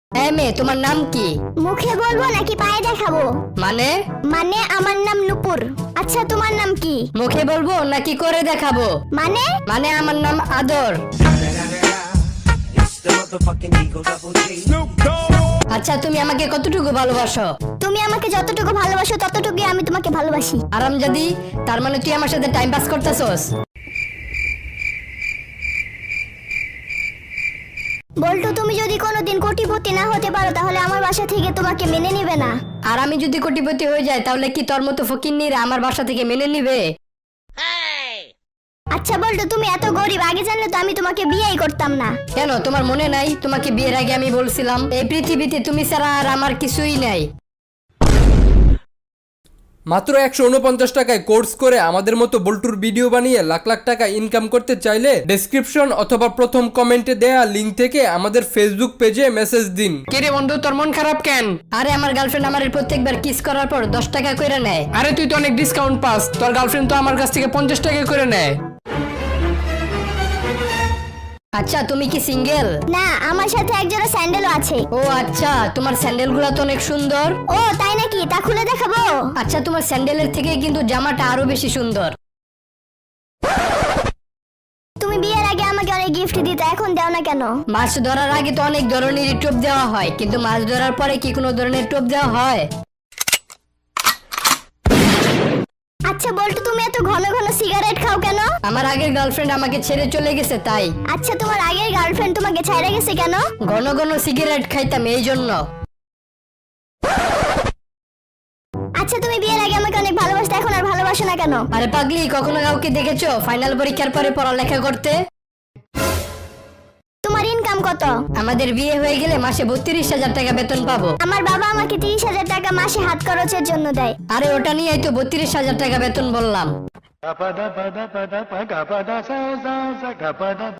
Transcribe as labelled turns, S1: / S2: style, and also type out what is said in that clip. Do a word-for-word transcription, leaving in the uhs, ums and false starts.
S1: হ্যাঁ মেয়ে, তোমার নাম কি?
S2: মুখে বলবো নাকি পায়ে দেখাবো?
S1: মানে?
S2: মানে আমার নাম নূপুর। আচ্ছা তোমার নাম কি?
S1: মুখে বলবো নাকি করে দেখাবো?
S2: মানে?
S1: মানে আমার নাম আদর। আচ্ছা তুমি আমাকে কতটুকু ভালোবাসো?
S2: তুমি আমাকে যতটুকু ভালোবাসো ততটুকুই আমি তোমাকে ভালোবাসি।
S1: আরামজাদি, তার মানে তুই আমার সাথে টাইম পাস করতেছস?
S2: বল্টু, তুমি যদি কোনোদিন কোটিপতি না হতে পারো তাহলে আমার বাসা থেকে তোমাকে মেনে নিবে না।
S1: আর আমি যদি কোটিপতি হয়ে যাই তাহলে কি তোর মতো ফকিন্নিরা আমার বাসা থেকে মেনে নিবে?
S2: আচ্ছা বল্টু, তুমি এত গরিব, আগে জানলে তো আমি তোমাকে বিয়েই করতাম না।
S1: কেন, তোমার মনে নাই তোমাকে বিয়ের আগে আমি বলছিলাম এই পৃথিবীতে তুমি ছাড়া আর আমার কিছুই নাই?
S3: মাত্র একশো উনপঞ্চাশ টাকায় কোর্স করে আমাদের মতো বল্টুর ভিডিও বানিয়ে লাখ লাখ টাকা ইনকাম করতে চাইলে ডেসক্রিপশন অথবা প্রথম কমেন্টে দেয়া লিঙ্ক থেকে আমাদের ফেসবুক পেজে মেসেজ দিন।
S4: কিরে বন্ধু, তোর মন খারাপ কেন?
S1: আরে আমার গার্লফ্রেন্ড আমার প্রত্যেকবার কিস করার পর দশ টাকা করে নেয়।
S4: আরে তুই তো অনেক ডিসকাউন্ট পাস, তোর গার্লফ্রেন্ড তো আমার কাছ থেকে পঞ্চাশ টাকা করে নেয়।
S1: আচ্ছা তুমি কি সিঙ্গেল?
S2: না, আমার সাথে একজোড়া স্যান্ডেলও আছে।
S1: ও আচ্ছা, তোমার স্যান্ডেল গুলা তো অনেক সুন্দর।
S2: ও তাই নাকি? তা খুলে দেখাবো?
S1: আচ্ছা তোমার স্যান্ডেলের থেকে কিন্তু জামাটা আরো বেশি সুন্দর।
S2: তুমি বিয়ের আগে আমাকে অনেক গিফট দিতে, এখন দাও না কেন?
S1: মাছ ধরার আগে তো অনেক ধরনের টোপ দেওয়া হয়, কিন্তু মাছ ধরার পরে কি কোনো ধরনের টোপ দেওয়া হয়?
S2: আচ্ছা বল্টু, তুমি এত ঘন ঘন সিগারেট খাও কেন?
S1: আমার আগের গার্লফ্রেন্ড আমাকে ছেড়ে চলে গেছে তাই।
S2: আচ্ছা তোমার আগের গার্লফ্রেন্ড তোমাকে ছাইড়া গেছে কেন?
S1: ঘন ঘন সিগারেট খাইতাম এই জন্য।
S2: আচ্ছা তুমি বিয়ের আগে আমাকে অনেক ভালোবাসতে, এখন আর ভালোবাসো না কেন?
S1: আরে পাগলি, কখনো কাউকে দেখেছো ফাইনাল পরীক্ষার পরে পড়ালেখা করতে?
S2: তোমার ইনকাম কত?
S1: আমাদের বিয়ে হয়ে গেলে মাসে বত্রিশ হাজার টাকা বেতন পাবো।
S2: আমার বাবা আমাকে তিরিশ হাজার টাকা মাসে হাত খরচের জন্য দেয়।
S1: আরে ওটা নিয়েই তো বত্রিশ হাজার টাকা বেতন বললাম।